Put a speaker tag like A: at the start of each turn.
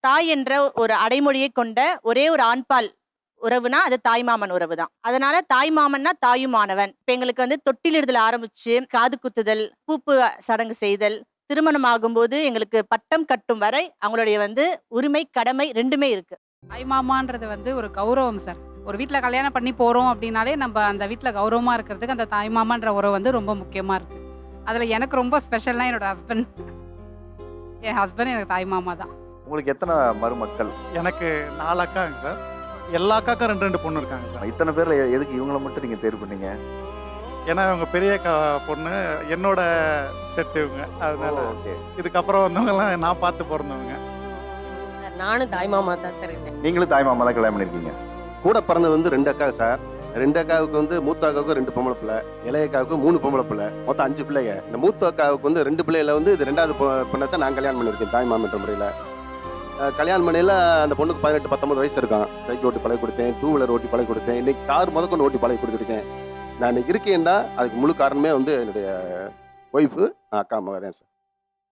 A: தாய் என்ற ஒரு அடைமொழியை கொண்ட ஒரே ஒரு ஆண்பால் உறவுனா அது தாய்மாமன் உறவு தான். அதனால தாய்மாமன்னா தாயுமானவன். இப்ப எங்களுக்கு வந்து தொட்டிலிடுதல் ஆரம்பிச்சு காது குத்துதல், பூப்பு சடங்கு செய்தல், திருமணம் ஆகும்போது எங்களுக்கு பட்டம் கட்டும் வரை அவங்களுடைய வந்து உரிமை கடமை ரெண்டுமே இருக்கு.
B: தாய்மாமான்றது வந்து ஒரு கௌரவம் சார். ஒரு வீட்ல கல்யாணம் பண்ணி போறோம் அப்படின்னாலே நம்ம அந்த வீட்ல கௌரவமா இருக்கிறதுக்கு அந்த தாய்மாமான்ற உறவு வந்து ரொம்ப முக்கியமா இருக்கு. அதுல எனக்கு ரொம்ப ஸ்பெஷல்னா என்னோட ஹஸ்பண்ட். என் ஹஸ்பண்ட் எனக்கு தாய்மாமா தான்.
C: உங்களுக்கு எத்தனை மருமக்கள்?
D: எனக்கு 4 அக்காங்க சார். எல்லா அக்காக்கும் 2 பொண்ணு இருக்காங்க சார்.
C: இத்தனை பேர்ல எதுக்கு இவங்கள மட்டும் நீங்க தேர்வு பண்ணீங்க?
D: ஏன்னா இவங்க பெரிய அக்கா பொண்ணு என்னோட செட் இவங்க. அதனால
C: ஓகே.
D: இதுக்கப்புறம் வந்தவங்கலாம் நான் பார்த்து பிறந்தவங்க.
E: நானும் தாய்மாமா தான் சார் இருக்கேன்.
C: நீங்களும் தாய் மாமா தான் கல்யாணம் பண்ணிருக்கீங்க.
F: கூட பிறந்தது வந்து 2 அக்கா சார். 2 அக்காவுக்கு வந்து மூத்த அக்காவுக்கு 2 பொம்பளை பிள்ளை, இளைய அக்காவுக்கு 3 பொம்பளை பிள்ளை, மொத்தம் 5 பிள்ளைங்க. இந்த மூத்த அக்காவுக்கு வந்து 2 பிள்ளையில வந்து இது 2வது பொண்ணை நான் கல்யாணம் பண்ணியிருக்கேன் தாய் மாமன்ற முறையில். கல்யாணம் பண்ணையில் அந்த பொண்ணுக்கு 18-19 வயசு இருக்கும். சைக்கிள் ஓட்டி பழகி கொடுத்தேன், 2 வீலர் ஓட்டி பழகி கொடுத்தேன், இன்னைக்கு கார் முதற்கொண்டு ஓட்டி பழகி கொடுத்துருக்கேன். நான் இன்னைக்கு இருக்கேன்னா அதுக்கு முழு காரணமே வந்து என்னுடைய ஒய்ஃபு, அக்கா மகன் சார்.